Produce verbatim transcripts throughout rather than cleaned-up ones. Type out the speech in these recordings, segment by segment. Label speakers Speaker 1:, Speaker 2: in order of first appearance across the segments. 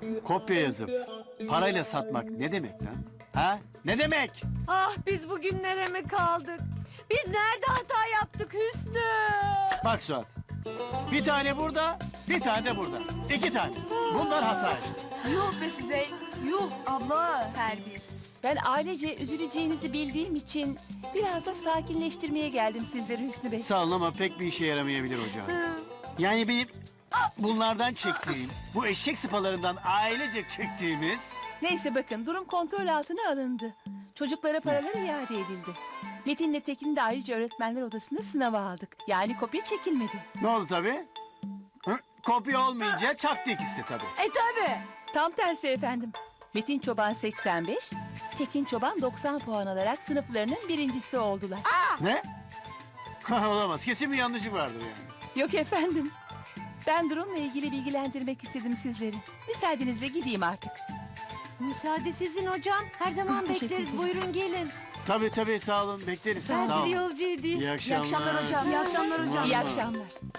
Speaker 1: Kopya yazıp parayla satmak ne demek lan? Ha? Ne demek?
Speaker 2: Ah biz bugünlere mi kaldık? Biz nerede hata yaptık Hüsnü?
Speaker 1: Bak Suat. Bir tane burada, bir tane de burada. İki tane. Bunlar hata işte.
Speaker 3: Yuh be size. Yuh abla terbiyesiz.
Speaker 4: Ben ailece üzüleceğinizi bildiğim için biraz da sakinleştirmeye geldim sizleri Hüsnü Bey.
Speaker 1: Sağ olun ama pek bir işe yaramayabilir hocam. Yani benim bunlardan çektiğim, bu eşek sıpalarından ailece çektiğimiz...
Speaker 4: Neyse bakın durum kontrol altına alındı. Çocuklara paralar iade edildi. Metin'le Tekin'i de ayrıca öğretmenler odasında sınava aldık. Yani kopya çekilmedi.
Speaker 1: Ne oldu tabii? Hı? Kopya olmayınca çaktı ikisi de tabii.
Speaker 2: E tabi.
Speaker 4: Tam tersi efendim. Metin Çoban seksen beş, Tekin Çoban doksan puan alarak sınıflarının birincisi oldular.
Speaker 1: Ne? Olamaz. Kesin bir yanlışlık vardır yani.
Speaker 4: Yok efendim. Ben durumla ilgili bilgilendirmek istedim sizleri. Müsaadenizle gideyim artık.
Speaker 2: Müsaade sizin hocam. Her zaman
Speaker 4: Teşekkür
Speaker 2: bekleriz.
Speaker 4: ederim.
Speaker 2: Buyurun gelin.
Speaker 1: Tabii tabii sağ olun. Bekleriz.
Speaker 2: Ben
Speaker 1: Sağ olun.
Speaker 2: sizi yolcu edeyim.
Speaker 1: İyi akşamlar.
Speaker 3: İyi akşamlar hocam. İyi akşamlar hocam.
Speaker 4: İyi akşamlar.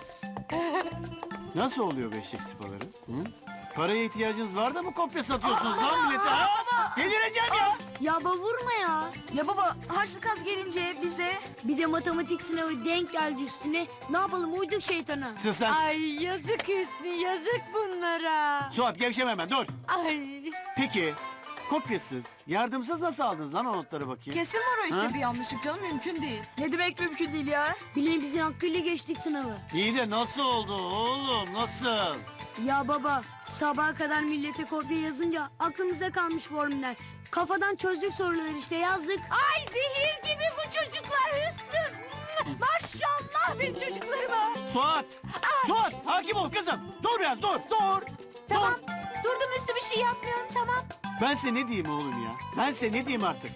Speaker 1: Nasıl oluyor bu eşek sıpaları? Hı? Paraya ihtiyacınız var da mı kopya satıyorsunuz lan millete? Ha? Delireceğim ya!
Speaker 5: Ya baba vurma ya.
Speaker 3: Ya baba harçlık az gelince bize...
Speaker 5: Bir de matematik sınavı denk geldi üstüne. Ne yapalım uyduk şeytana.
Speaker 1: Sus lan!
Speaker 2: Ay yazık Hüsnü yazık bunlara.
Speaker 1: Suat gevşeme hemen dur!
Speaker 2: Ay.
Speaker 1: Peki kopyasız, yardımsız nasıl aldınız lan o notları bakayım?
Speaker 3: Kesin var o işte
Speaker 1: Ha?
Speaker 3: bir yanlışlık canım mümkün değil. Ne demek mümkün değil ya?
Speaker 5: Bileğimizin hakkıyla geçtik sınavı.
Speaker 1: İyi de nasıl oldu oğlum nasıl?
Speaker 5: Ya baba sabaha kadar millete kopya yazınca aklımıza kalmış formüller. Kafadan çözdük soruları işte yazdık.
Speaker 2: Ay zehir gibi bu çocuklar Hüsnü. Maşallah benim çocuklarıma.
Speaker 1: Suat! Suat! Hakim ol kızım! Dur biraz dur dur!
Speaker 2: Tamam.
Speaker 1: Dur!
Speaker 2: Durdum Hüsnü bir şey yapmıyorum tamam.
Speaker 1: Ben size ne diyeyim oğlum ya? Ben size ne diyeyim artık?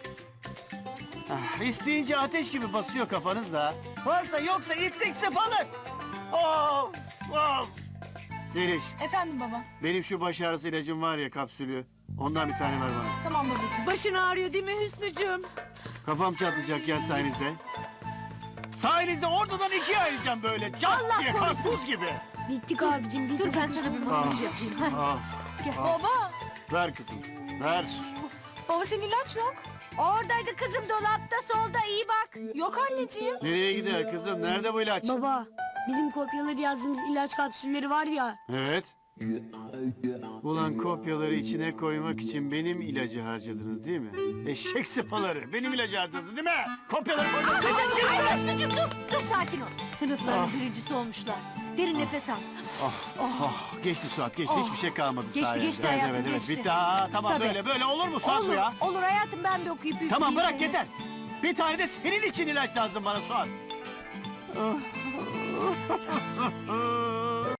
Speaker 1: Ah, isteyince ateş gibi basıyor kafanız da. Varsa yoksa itlik sıfalık. Of! Of! Zeliş,
Speaker 3: Efendim baba.
Speaker 1: benim şu baş ağrısı ilacım var ya kapsülü. Ondan bir tane ver bana.
Speaker 3: Tamam babacığım.
Speaker 2: Başın ağrıyor değil mi Hüsnücüğüm?
Speaker 1: Kafam çatlayacak ya sayenizde. Sayenizde ortadan ikiye ayıracağım böyle. Cat diye karpuz gibi.
Speaker 5: Bittik abicim bittik.
Speaker 2: Dur ben sana bir
Speaker 1: Ah,
Speaker 2: masaj yapayım. Heh.
Speaker 1: ah,
Speaker 3: Baba.
Speaker 1: ver kızım, ver.
Speaker 3: Baba senin ilaç yok.
Speaker 2: Oradaydı kızım dolapta solda iyi bak.
Speaker 3: Yok anneciğim.
Speaker 1: Nereye gider kızım? Nerede bu ilaç?
Speaker 5: Baba bizim kopyaları yazdığımız ilaç kapsülleri var ya.
Speaker 1: Evet. Ulan kopyaları içine koymak için benim ilacı harcadınız değil mi? Eşek sıpaları benim ilacı harcadınız değil mi? Kopyaları koymak için.
Speaker 2: Ay aşkıcım dur. Dur sakin ol. Sınıfların birincisi olmuşlar. Derin nefes al.
Speaker 1: Oh, geçti Suat geçti hiçbir şey kalmadı
Speaker 2: Geçti,
Speaker 1: sayende.
Speaker 2: geçti
Speaker 1: Evet,
Speaker 2: hayatım,
Speaker 1: evet, evet.
Speaker 2: geçti.
Speaker 1: Bitti ha tamam
Speaker 2: Tabii.
Speaker 1: böyle böyle olur mu Suat bu
Speaker 2: Olur,
Speaker 1: ya?
Speaker 2: olur hayatım ben bir okuyup üfleyeyim
Speaker 1: Tamam bırak
Speaker 2: seni.
Speaker 1: yeter. Bir tane de senin için ilaç lazım bana Suat.